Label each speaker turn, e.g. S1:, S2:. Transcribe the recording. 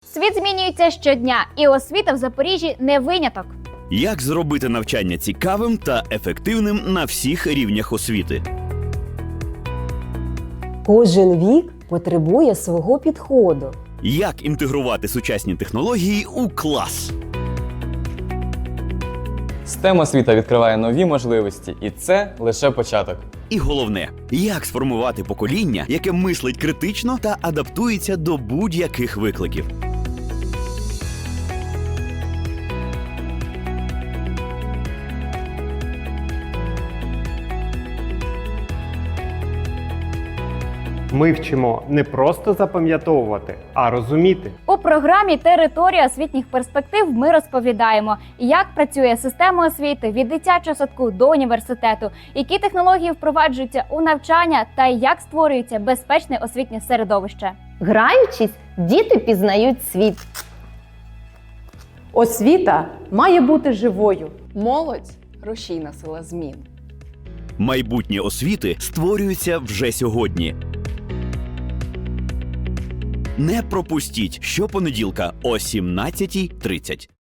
S1: Світ змінюється щодня, і освіта в Запоріжжі не виняток.
S2: Як зробити навчання цікавим та ефективним на всіх рівнях освіти?
S3: Кожен вік потребує свого підходу.
S2: Як інтегрувати сучасні технології у клас?
S4: STEM освіта відкриває нові можливості, і це лише початок.
S2: І головне, як сформувати покоління, яке мислить критично та адаптується до будь-яких викликів?
S5: Ми вчимо не просто запам'ятовувати, а розуміти.
S1: У програмі «Територія освітніх перспектив» ми розповідаємо, як працює система освіти від дитячого садку до університету, які технології впроваджуються у навчання та як створюється безпечне освітнє середовище.
S6: Граючись, діти пізнають світ.
S7: Освіта має бути живою.
S8: Молодь – рушійна сила змін.
S2: Майбутнє освіти створюється вже сьогодні. Не пропустіть щопонеділка о 17:30.